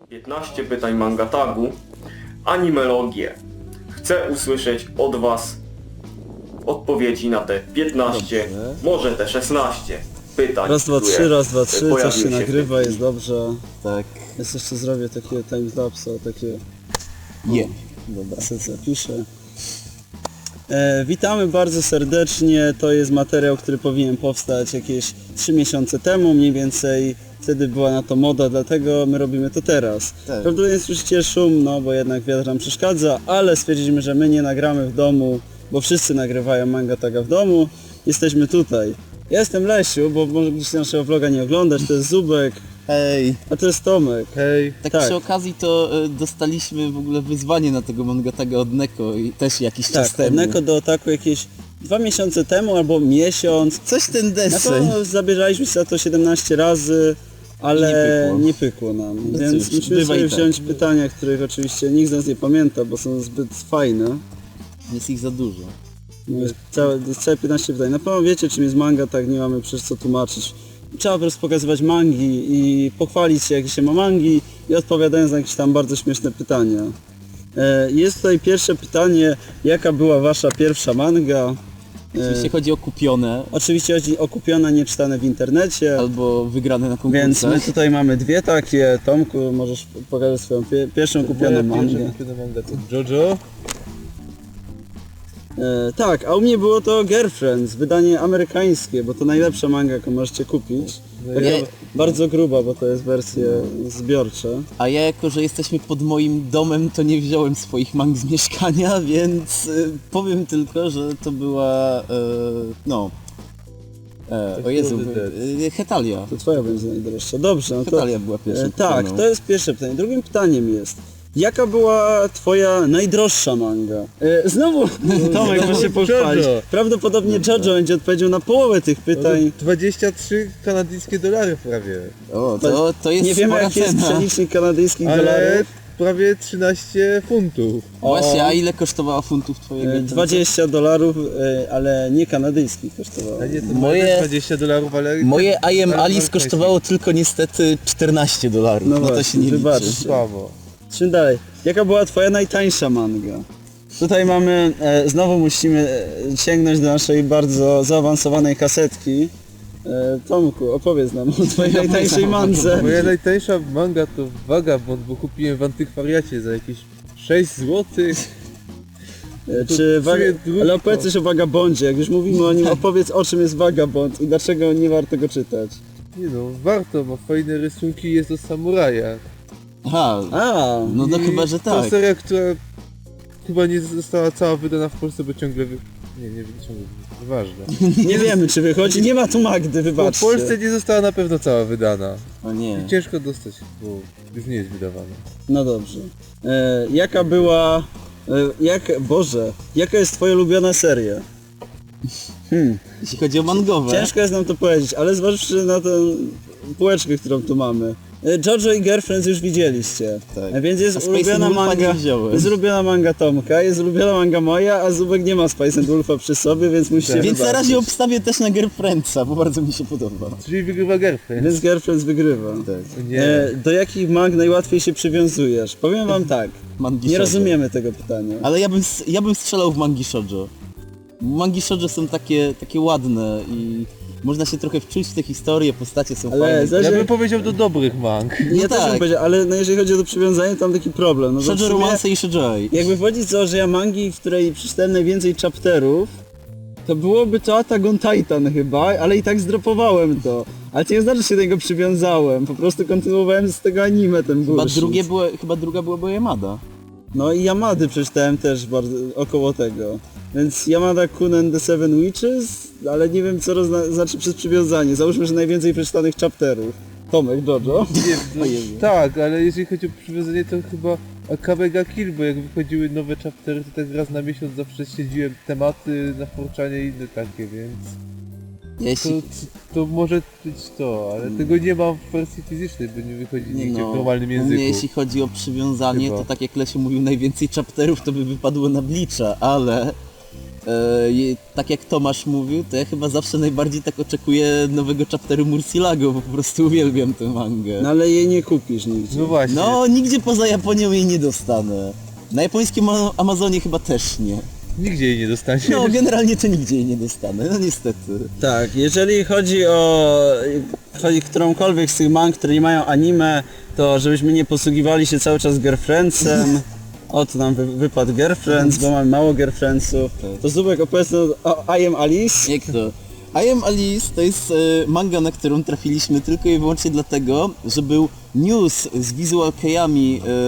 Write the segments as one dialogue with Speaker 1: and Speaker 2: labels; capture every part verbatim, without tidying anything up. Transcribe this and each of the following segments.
Speaker 1: piętnaście pytań Mangatagu, animelogię. Chcę usłyszeć od Was odpowiedzi na te piętnaście,
Speaker 2: Dobrze.
Speaker 1: może te szesnaście pytań.
Speaker 2: Raz, dwa,
Speaker 1: które
Speaker 2: trzy, raz, dwa, trzy, coś
Speaker 1: pojawiły
Speaker 2: się
Speaker 1: w
Speaker 2: nagrywa,
Speaker 1: tym
Speaker 2: jest dobrze.
Speaker 3: Tak.
Speaker 2: Jest jeszcze zrobię takie timelapse, takie...
Speaker 3: Je.
Speaker 2: Dobra, sobie zapiszę. E, witamy bardzo serdecznie, to jest materiał, który powinien powstać jakieś trzy miesiące temu, mniej więcej wtedy była na to moda, dlatego my robimy to teraz.
Speaker 3: Tak.
Speaker 2: Prawdopodobnie słyszycie szum, no bo jednak wiatr nam przeszkadza, ale stwierdziliśmy, że my nie nagramy w domu, bo wszyscy nagrywają Mangataga w domu, jesteśmy tutaj. Ja jestem Lesiu, bo może gdzieś naszego vloga nie oglądać, to jest Zubek,
Speaker 3: Hej.
Speaker 2: a to jest Tomek.
Speaker 3: Hej. Tak,
Speaker 2: Tak.
Speaker 3: przy okazji to e, dostaliśmy w ogóle wyzwanie na tego Mangataga od Neko i też jakiś czas
Speaker 2: Tak,
Speaker 3: temu.
Speaker 2: Neko do ataku jakieś dwa miesiące temu albo miesiąc.
Speaker 3: Coś ten
Speaker 2: Na
Speaker 3: deseń.
Speaker 2: pewno zabierzaliśmy się za to siedemnaście razy, ale
Speaker 3: Nie pykło.
Speaker 2: nie pykło nam.
Speaker 3: No
Speaker 2: Więc
Speaker 3: cóż,
Speaker 2: musimy
Speaker 3: bywa
Speaker 2: sobie
Speaker 3: i tak.
Speaker 2: wziąć pytania, których oczywiście nikt z nas nie pamięta, bo są zbyt fajne.
Speaker 3: Jest ich za dużo.
Speaker 2: No jest całe, jest całe piętnaście pytań. Na pewno wiecie, czym jest manga, tak nie mamy przecież co tłumaczyć. Trzeba po prostu pokazywać mangi i pochwalić się, jakie się ma mangi i odpowiadając na jakieś tam bardzo śmieszne pytania. E, Jest tutaj pierwsze pytanie, jaka była wasza pierwsza manga? E,
Speaker 3: Jeśli chodzi o kupione
Speaker 2: Oczywiście chodzi o kupione, nieczytane w internecie,
Speaker 3: albo wygrane na
Speaker 2: więc my
Speaker 3: konkursach.
Speaker 2: tutaj mamy dwie takie. Tomku, możesz pokazać swoją pie pierwszą kupioną mangę.
Speaker 4: manga to Jojo.
Speaker 2: E, tak, a u mnie było to Girlfriends, wydanie amerykańskie, bo to najlepsza manga, jaką możecie kupić. Taka
Speaker 3: Nie.
Speaker 2: bardzo gruba, bo to jest wersje zbiorcze.
Speaker 3: A ja jako, że jesteśmy pod moim domem, to nie wziąłem swoich mang z mieszkania, więc y, powiem tylko, że to była, y, no, e, o Jezu, y, Hetalia.
Speaker 2: To twoja będzie najdroższa. Dobrze, no to...
Speaker 3: Hetalia była pierwsza.
Speaker 2: E, tak,
Speaker 3: kupioną.
Speaker 2: to jest pierwsze pytanie. Drugim pytaniem jest, jaka była twoja najdroższa manga? E, znowu Tomek może się pochwalić.
Speaker 4: Jojo.
Speaker 2: Prawdopodobnie Jojo będzie odpowiedział na połowę tych pytań.
Speaker 4: dwadzieścia trzy kanadyjskie dolary prawie.
Speaker 3: O, to, to jest
Speaker 2: Nie wiemy
Speaker 3: spora
Speaker 2: jaki jest
Speaker 3: cena.
Speaker 2: przelicznik kanadyjskich
Speaker 4: Ale
Speaker 2: dolarów.
Speaker 4: prawie trzynaście funtów.
Speaker 3: Właśnie, a ile kosztowała funtów twojego?
Speaker 2: E, dwadzieścia dolarów, e, ale nie kanadyjskich kosztowało.
Speaker 4: A nie, to
Speaker 3: Moje-
Speaker 4: moje dwadzieścia dolarów, ale...
Speaker 3: Moje I am
Speaker 4: ale
Speaker 3: Alice
Speaker 4: amerykańskie.
Speaker 3: kosztowało tylko niestety czternaście dolarów.
Speaker 2: No
Speaker 3: No, to
Speaker 2: właśnie,
Speaker 3: się nie
Speaker 2: wybaczcie.
Speaker 3: liczy.
Speaker 4: Słabo.
Speaker 2: Czym dalej? Jaka była twoja najtańsza manga? Tutaj mamy, e, znowu musimy e, sięgnąć do naszej bardzo zaawansowanej kasetki. E, Tomku, opowiedz nam o twojej najtańszej mandze.
Speaker 4: Moja najtańsza manga to Vagabond, bo kupiłem w antykwariacie za jakieś sześć złotych.
Speaker 2: E, Czy waga...
Speaker 4: sumie drugi
Speaker 2: Ale opowiedz coś o Vagabondzie, jak już mówimy o nim, opowiedz o czym jest Vagabond i dlaczego nie warto go czytać.
Speaker 4: Nie no, warto, ma fajne rysunki, jest o samurajach.
Speaker 3: Aha,
Speaker 2: A,
Speaker 3: no to
Speaker 4: I
Speaker 3: chyba, że
Speaker 4: To
Speaker 3: tak.
Speaker 4: seria, która chyba nie została cała wydana w Polsce, bo ciągle wy... Nie, nie ciągle, nieważne.
Speaker 2: nie wiemy czy wychodzi, nie ma tu Magdy,
Speaker 4: W
Speaker 2: wybaczcie.
Speaker 4: Polsce nie została na pewno cała wydana.
Speaker 3: O nie.
Speaker 4: Ciężko dostać, bo już nie jest wydawana.
Speaker 2: No dobrze. E, jaka była... E, jak... Boże, jaka jest twoja ulubiona seria? Hmm.
Speaker 3: Jeśli chodzi o mangowe.
Speaker 2: Ciężko jest nam to powiedzieć, ale zważywszy na tę półeczkę, którą tu mamy. E, Jojo i Girlfriends już widzieliście.
Speaker 3: Tak.
Speaker 2: E, Więc jest
Speaker 3: A Space
Speaker 2: ulubiona
Speaker 3: and Wolfa
Speaker 2: manga.
Speaker 3: nie wziąłem.
Speaker 2: Jest ulubiona manga Tomka, jest ulubiona manga moja, a Zubek nie ma Spice and Wolfa przy sobie, więc musicie
Speaker 4: Tak.
Speaker 3: Więc na
Speaker 2: wybaczyć.
Speaker 3: razie obstawię też na Girlfriendsa, bo bardzo mi się podoba.
Speaker 4: Czyli wygrywa Girlfriend.
Speaker 2: Więc Girlfriends wygrywa.
Speaker 3: Tak.
Speaker 4: Nie.
Speaker 2: E, do jakich mang najłatwiej się przywiązujesz? Powiem wam tak,
Speaker 3: Mangi
Speaker 2: nie
Speaker 3: shoujo.
Speaker 2: rozumiemy tego pytania.
Speaker 3: Ale ja bym, s- ja bym strzelał w mangi shoujo. Mangi shoujo są takie, takie ładne i można się trochę wczuć w te historie, postacie są
Speaker 2: Ale
Speaker 3: fajne.
Speaker 2: zaś-
Speaker 4: Ja bym powiedział do dobrych mang.
Speaker 2: Ja
Speaker 3: no
Speaker 2: też bym
Speaker 3: tak.
Speaker 2: powiedział, ale no jeżeli chodzi o to przywiązanie, to mam taki problem. No bo w
Speaker 3: Shoujo
Speaker 2: sumie,
Speaker 3: romanse i shoujoi.
Speaker 2: jakby wchodzić to, że ja mangi, w której przeczytałem najwięcej chapterów, to byłoby to Attack on Titan chyba, ale i tak zdropowałem to. Ale to nie znaczy, że się do niego przywiązałem, po prostu kontynuowałem z tego anime ten
Speaker 3: Chyba,
Speaker 2: bullshit.
Speaker 3: drugie było, chyba druga była Yamada.
Speaker 2: No i Yamady przeczytałem też bardzo około tego. Więc Yamada Kun and the Seven Witches, ale nie wiem co rozna- znaczy przez przywiązanie. Załóżmy, że najwięcej przeczytanych chapterów. Tomek, Jojo.
Speaker 4: Nie, no, tak, ale jeżeli chodzi o przywiązanie, to chyba Akabe ga Kill, bo jak wychodziły nowe chaptery, to tak raz na miesiąc zawsze śledziłem tematy na Forczanie i inne takie, więc to,
Speaker 3: Jeśli...
Speaker 4: to może być to, ale tego nie mam w wersji fizycznej, bo nie wychodzi nigdzie
Speaker 3: No,
Speaker 4: w normalnym
Speaker 3: u
Speaker 4: języku.
Speaker 3: mnie jeśli chodzi o przywiązanie,
Speaker 4: Chyba.
Speaker 3: to tak jak Lesiu mówił, najwięcej chapterów to by wypadło na Bleacha, ale e, je- tak jak Tomasz mówił, to ja chyba zawsze najbardziej tak oczekuję nowego chapteru Murcielago, bo po prostu uwielbiam tę mangę.
Speaker 2: No ale jej nie kupisz nigdzie.
Speaker 4: No właśnie.
Speaker 3: No, nigdzie poza Japonią jej nie dostanę. Na japońskim Ama- Amazonie chyba też nie.
Speaker 4: Nigdzie jej nie dostaniesz.
Speaker 3: No, generalnie to nigdzie jej nie dostanę, no niestety.
Speaker 2: Tak, jeżeli chodzi o chodzi którąkolwiek z tych mang, które nie mają anime, to żebyśmy nie posługiwali się cały czas girlfriendsem. O, tu nam wy, wypadł girlfriends, bo mamy mało girlfriendsów. To Zubek opowiedz o I am Alice.
Speaker 3: Jak to? I am Alice to jest e, manga, na którą trafiliśmy tylko i wyłącznie dlatego, że był news z visual keyami e,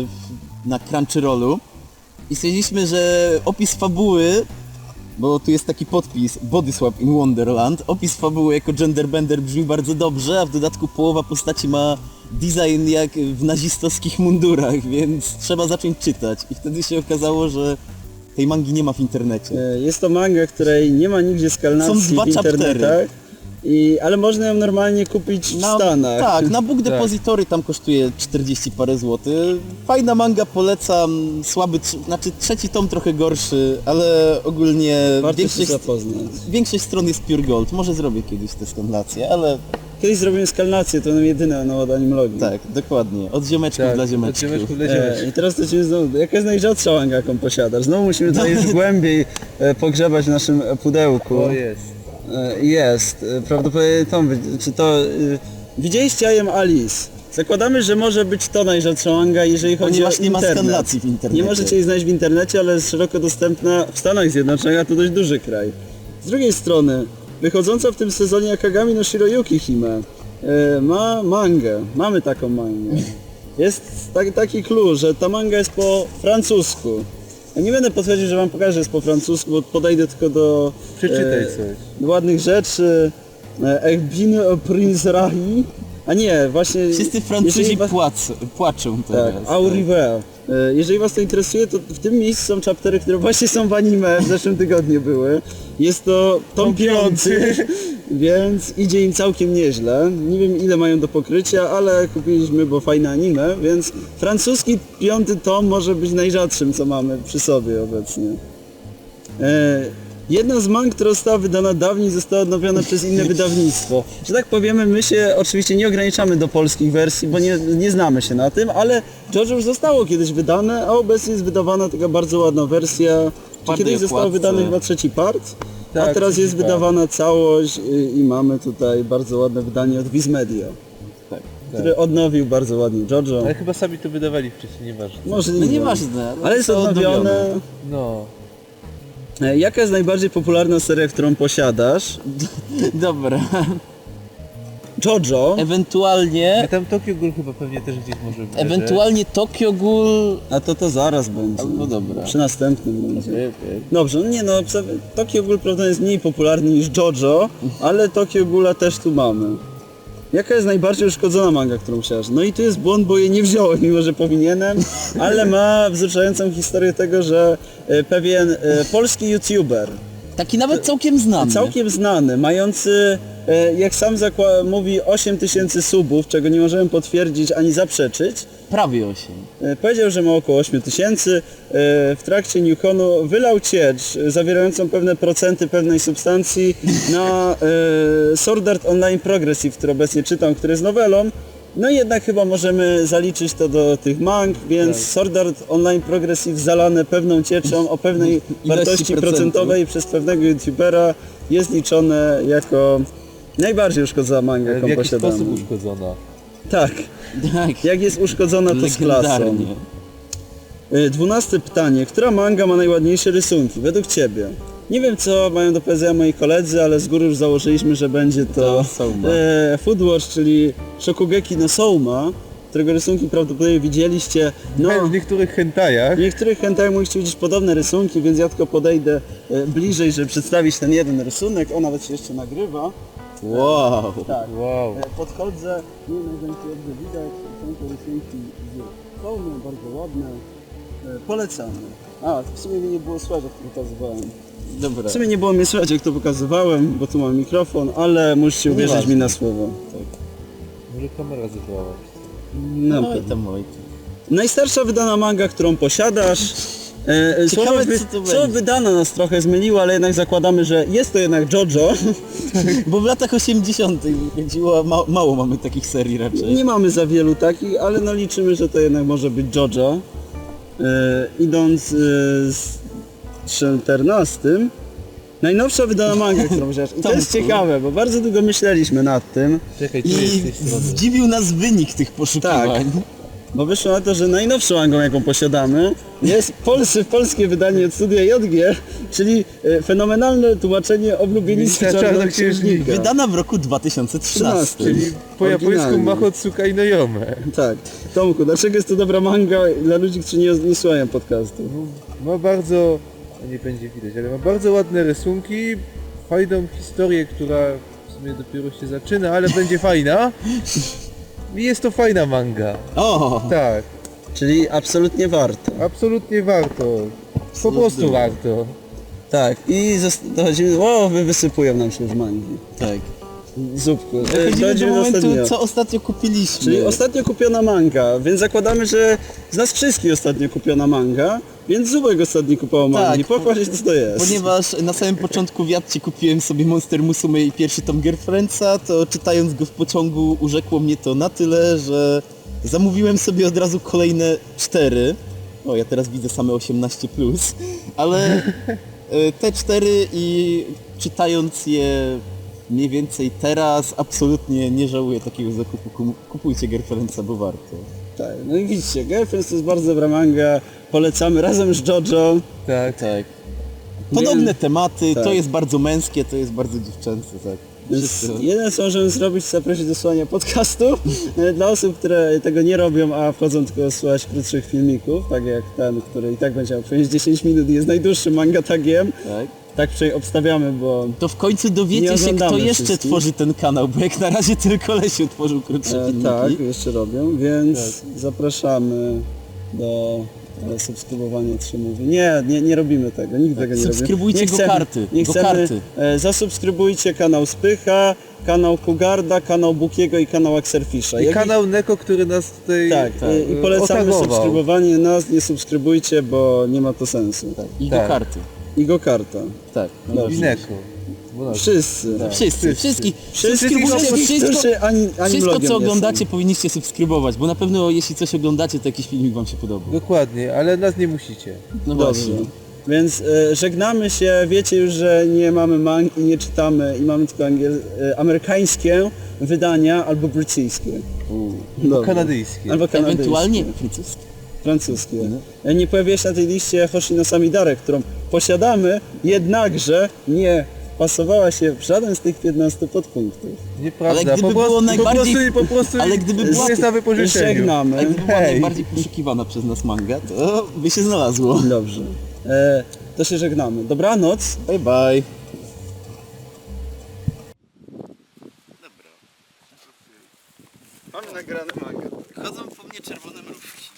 Speaker 3: na Crunchyrollu i stwierdziliśmy, że opis fabuły, bo tu jest taki podpis Body Swap in Wonderland, opis fabuły jako genderbender brzmi bardzo dobrze, a w dodatku połowa postaci ma design jak w nazistowskich mundurach, więc trzeba zacząć czytać i wtedy się okazało, że tej mangi nie ma w internecie.
Speaker 2: E, Jest to manga, której nie ma nigdzie skalnacji
Speaker 3: Są dwa
Speaker 2: w internetach.
Speaker 3: chaptery.
Speaker 2: I, ale można ją normalnie kupić w Stanach.
Speaker 3: Tak, na Book Depository tam kosztuje czterdzieści parę złotych. Fajna manga, polecam, słaby, tr- znaczy trzeci tom trochę gorszy, ale ogólnie
Speaker 2: Warto się
Speaker 3: większość,
Speaker 2: zapoznać.
Speaker 3: większość stron jest Pure Gold. Może zrobię kiedyś tę skalnację, ale
Speaker 2: Kiedyś zrobimy skalnację, to nam jedyne no, od animologii.
Speaker 3: tak, dokładnie. Od ziomeczków
Speaker 4: Tak,
Speaker 3: dla
Speaker 4: od
Speaker 3: ziomeczków.
Speaker 4: ziomeczków dla
Speaker 2: E,
Speaker 4: ziomeczków.
Speaker 2: I teraz to ci znowu, jaka jest najrzadsza manga, jaką posiadasz? Znowu musimy tutaj już głębiej e, pogrzebać w naszym pudełku.
Speaker 4: O jest.
Speaker 2: E, Jest, e, prawdopodobnie Tom, wy- czy to... e, Widzieliście I am Alice? Zakładamy, że może być to najrzadsza manga, jeżeli chodzi
Speaker 3: Ponieważ
Speaker 2: o
Speaker 3: nie ma
Speaker 2: internet.
Speaker 3: skanlacji w internecie.
Speaker 2: Nie możecie jej znaleźć w internecie, ale jest szeroko dostępna w Stanach Zjednoczonych, a to dość duży kraj. Z drugiej strony, wychodząca w tym sezonie Akagami no Shiroyuki Hime e, ma mangę, mamy taką mangę. Jest tak, taki clue, że ta manga jest po francusku. Ja nie będę potwierdził, że wam pokażę, że jest po francusku, bo podejdę tylko do
Speaker 4: Przeczytaj
Speaker 2: e,
Speaker 4: coś.
Speaker 2: do ładnych rzeczy. E, Ech bin Prince Rahi. A nie, właśnie...
Speaker 3: Wszyscy Francuzi
Speaker 2: jeżeli was-
Speaker 3: płac, płaczą
Speaker 2: tak,
Speaker 3: teraz.
Speaker 2: Au River. E, Jeżeli was to interesuje, to w tym miejscu są chaptery, które właśnie są w anime, w zeszłym tygodniu były. Jest to tom piąty, więc idzie im całkiem nieźle. Nie wiem ile mają do pokrycia, ale kupiliśmy, bo fajne anime, więc francuski piąty tom może być najrzadszym, co mamy przy sobie obecnie. E, Jedna z mang, która została wydana dawniej, została odnowiona przez inne wydawnictwo. Że tak powiemy, my się oczywiście nie ograniczamy do polskich wersji, bo nie, nie znamy się na tym, ale JoJo już zostało kiedyś wydane, a obecnie jest wydawana taka bardzo ładna wersja. Czy
Speaker 3: Twardej
Speaker 2: kiedyś został
Speaker 3: okładce.
Speaker 2: wydany chyba trzeci part, a
Speaker 4: Tak,
Speaker 2: teraz
Speaker 4: trzeci
Speaker 2: jest
Speaker 4: part.
Speaker 2: wydawana całość i, i mamy tutaj bardzo ładne wydanie od Viz Media,
Speaker 3: Tak.
Speaker 2: który odnowił bardzo ładnie JoJo.
Speaker 4: Ale chyba sami to wydawali wcześniej, nieważne.
Speaker 2: Może
Speaker 3: No nieważne.
Speaker 2: ale jest
Speaker 3: to
Speaker 2: odnowione.
Speaker 4: No.
Speaker 2: E, Jaka jest najbardziej popularna seria, którą posiadasz?
Speaker 3: Dobra.
Speaker 2: JoJo.
Speaker 4: A
Speaker 3: Ewentualnie,
Speaker 4: tam Tokyo Ghoul chyba pewnie też gdzieś może być.
Speaker 3: ewentualnie Tokyo Ghoul...
Speaker 2: A to to zaraz będzie.
Speaker 3: No dobra.
Speaker 2: Przy następnym będzie.
Speaker 3: Okej, okej.
Speaker 2: Dobrze, no nie no, psa- Tokyo Ghoul prawda jest mniej popularny niż JoJo, ale Tokyo Ghoula też tu mamy. Jaka jest najbardziej uszkodzona manga, którą chciałeś? No i tu jest błąd, bo jej nie wziąłem, mimo że powinienem, ale ma wzruszającą historię tego, że e, pewien e, polski youtuber,
Speaker 3: Taki nawet całkiem znany.
Speaker 2: całkiem znany, mający, e, jak sam zakła- mówi, osiem tysięcy subów, czego nie możemy potwierdzić ani zaprzeczyć,
Speaker 3: Prawie osiem.
Speaker 2: E, powiedział, że ma około osiem tysięcy. E, W trakcie Newconu wylał ciecz e, zawierającą pewne procenty pewnej substancji na e, Sword Art Online Progressive, który obecnie czytam, który jest nowelą. No i jednak chyba możemy zaliczyć to do tych mang, więc Sword Art Online Progressive zalane pewną cieczą o pewnej wartości
Speaker 3: procentów.
Speaker 2: procentowej przez pewnego youtubera jest liczone jako najbardziej uszkodzona manga,
Speaker 4: Ale
Speaker 2: jaką
Speaker 4: w jaki
Speaker 2: posiadamy.
Speaker 4: sposób uszkodzona?
Speaker 2: Tak,
Speaker 3: Tak.
Speaker 2: jak jest uszkodzona to z klasą.
Speaker 3: Legendarnie.
Speaker 2: Y, Dwunaste pytanie. Która manga ma najładniejsze rysunki według Ciebie? Nie wiem co mają do powiedzenia moi koledzy, ale z góry już założyliśmy, że będzie to
Speaker 3: To Souma.
Speaker 2: e, Foodwatch, czyli Shokugeki no Souma, którego rysunki prawdopodobnie widzieliście. No,
Speaker 4: W niektórych hentajach.
Speaker 2: w niektórych hentai mogliście widzieć podobne rysunki, więc ja tylko podejdę e, bliżej, żeby przedstawić ten jeden rysunek. On nawet się jeszcze nagrywa.
Speaker 3: Wow.
Speaker 2: Tak.
Speaker 4: Wow.
Speaker 2: E, Podchodzę, nie wiem jak będzie dobrze widać, są to rysunki z Soumy, bardzo ładne. E, Polecamy. A, w sumie mnie nie było słychać, jak to pokazywałem.
Speaker 3: Dobra.
Speaker 2: W sumie nie było mnie słychać, jak to pokazywałem, bo tu mam mikrofon, ale musicie uwierzyć
Speaker 3: Nieważne.
Speaker 2: mi na słowo.
Speaker 4: Może kamera zadziałała.
Speaker 2: Na
Speaker 3: No i
Speaker 2: pewno.
Speaker 3: tam oj.
Speaker 2: Najstarsza wydana manga, którą posiadasz, E, słowo,
Speaker 3: Ciekawe,
Speaker 2: wy,
Speaker 3: co to
Speaker 2: słowo
Speaker 3: będzie.
Speaker 2: wydano nas trochę zmyliło, ale jednak zakładamy, że jest to jednak JoJo.
Speaker 3: Bo w latach osiemdziesiątych wychodziło, ma, mało mamy takich serii raczej.
Speaker 2: Nie mamy za wielu takich, ale no liczymy, że to jednak może być JoJo. E, idąc e, z czternastym, najnowsza wydana manga, którą wziąłeś. I to jest
Speaker 3: Tomku.
Speaker 2: ciekawe, bo bardzo długo myśleliśmy nad tym,
Speaker 4: Czekaj, tu
Speaker 3: I
Speaker 4: jest z tej strony.
Speaker 3: zdziwił nas wynik tych poszukiwań.
Speaker 2: bo wyszło na to, że najnowszą mangą, jaką posiadamy, jest polskie, polskie wydanie od studia J G, czyli e, fenomenalne tłumaczenie oblubienictwa
Speaker 4: Ministra
Speaker 2: Czarnoksiężnika.
Speaker 4: Czarnoksiężnika.
Speaker 3: Wydana w roku dwa tysiące trzynastym.
Speaker 4: Czyli po japońsku
Speaker 2: Oryginalnie.
Speaker 4: Mahotsukai no Yome.
Speaker 2: Tak. Tomku, dlaczego jest to dobra manga dla ludzi, którzy nie, nie słuchają podcastu?
Speaker 4: Ma bardzo, no nie będzie widać, ale ma bardzo ładne rysunki, fajną historię, która w sumie dopiero się zaczyna, ale będzie fajna. I jest to fajna manga.
Speaker 3: O!
Speaker 4: Tak,
Speaker 2: Czyli absolutnie warto.
Speaker 4: absolutnie warto. Po prostu warto.
Speaker 2: Tak. I zost- dochodzimy... O, wy wysypują nam się już mangi.
Speaker 3: Tak.
Speaker 2: Zupku. E,
Speaker 3: Dochodzimy do
Speaker 2: dochodzimy
Speaker 3: momentu,
Speaker 2: ostatnio.
Speaker 3: co ostatnio kupiliśmy.
Speaker 2: Czyli ostatnio kupiona manga, więc zakładamy, że z nas wszystkich ostatnio kupiona manga, więc Zubek ostatnio kupował mangi.
Speaker 3: Tak,
Speaker 2: Pochwal się, co to jest.
Speaker 3: Ponieważ na samym początku w Jadcie kupiłem sobie Monster Musume i pierwszy tom Girlfriendsa, to czytając go w pociągu urzekło mnie to na tyle, że zamówiłem sobie od razu kolejne cztery. O, ja teraz widzę same osiemnaście plus, ale e, te cztery i czytając je mniej więcej teraz absolutnie nie żałuję takiego zakupu. Kum- Kupujcie Girlfriendsa, bo warto.
Speaker 2: Tak, no i widzicie, Girlfriends to jest bardzo dobra manga, polecamy razem z JoJo.
Speaker 4: Tak.
Speaker 3: Tak. Podobne
Speaker 2: Więc-
Speaker 3: tematy,
Speaker 2: tak.
Speaker 3: to jest bardzo męskie, to jest bardzo dziewczęce, tak.
Speaker 2: Więc
Speaker 3: Wszyscy-
Speaker 2: jeden co możemy zrobić, to zaprosić do słuchania podcastu e, dla osób, które tego nie robią, a wchodzą tylko słuchać krótszych filmików, tak jak ten, który i tak będzie miał przejść dziesięć minut i jest najdłuższym manga tagiem.
Speaker 3: Tak.
Speaker 2: Tak przynajmniej obstawiamy, bo
Speaker 3: To w końcu
Speaker 2: Nie
Speaker 3: dowiecie się,
Speaker 2: oglądamy
Speaker 3: kto jeszcze
Speaker 2: wszystkich.
Speaker 3: tworzy ten kanał, bo jak na razie tylko Lesiu tworzył krótsze
Speaker 2: e,
Speaker 3: filmiki.
Speaker 2: tak, jeszcze robią, więc zapraszamy do e, subskrybowania trzy mówi. Nie, nie, nie robimy tego, nigdy tego nie robimy.
Speaker 3: Subskrybujcie
Speaker 2: Nie chcemy-
Speaker 3: Gokarty,
Speaker 2: Nie chcemy,
Speaker 3: Gokarty.
Speaker 2: e, zasubskrybujcie kanał Spycha, kanał Kugarda, kanał Bukiego i kanał Axelfisha.
Speaker 4: I
Speaker 2: Jak
Speaker 4: kanał Neko, który nas tutaj
Speaker 2: Tak, i, i polecamy
Speaker 4: otagował.
Speaker 2: subskrybowanie nas, nie subskrybujcie, bo nie ma to sensu.
Speaker 3: I
Speaker 4: Tak.
Speaker 3: Gokarty.
Speaker 2: I Gokarta.
Speaker 3: Tak.
Speaker 4: I
Speaker 2: Dobrze.
Speaker 4: Neko. Bo nas-
Speaker 2: Wszyscy.
Speaker 3: Wszyscy, wszystkich.
Speaker 2: Wszyscy,
Speaker 3: Subskrybujcie
Speaker 2: wszystkich,
Speaker 3: wszystko,
Speaker 2: którzy ani, ani
Speaker 3: wszystko
Speaker 2: blogiem
Speaker 3: co
Speaker 2: nie
Speaker 3: oglądacie
Speaker 2: są.
Speaker 3: powinniście subskrybować, bo na pewno jeśli coś oglądacie, to jakiś filmik wam się podoba.
Speaker 4: Dokładnie, ale nas nie musicie.
Speaker 3: No
Speaker 2: Dobrze.
Speaker 3: właśnie.
Speaker 2: Więc e, żegnamy się, wiecie już, że nie mamy mang i nie czytamy i mamy tylko angiel, e, amerykańskie wydania albo brytyjskie. Dobrze.
Speaker 4: Kanadyjskie.
Speaker 2: Albo kanadyjskie.
Speaker 3: Ewentualnie francuskie.
Speaker 2: Francuskie. E, Nie pojawia się na tej liście Hoshino Samidare, którą posiadamy, jednakże nie pasowała się w żaden z tych piętnastu podpunktów.
Speaker 4: Nieprawda,
Speaker 3: Ale gdyby
Speaker 4: po prostu,
Speaker 3: było najbardziej-
Speaker 4: po prostu, po prostu
Speaker 3: ale gdyby była-
Speaker 4: jest na wypożyczeniu.
Speaker 2: Żegnamy.
Speaker 3: A gdyby była
Speaker 4: Hej.
Speaker 3: najbardziej poszukiwana przez nas manga, to by się znalazło.
Speaker 2: Dobrze. E, to się żegnamy. Dobranoc.
Speaker 3: Bye bye.
Speaker 2: Mamy nagrane manga.
Speaker 3: Chodzą po mnie czerwone mrówki.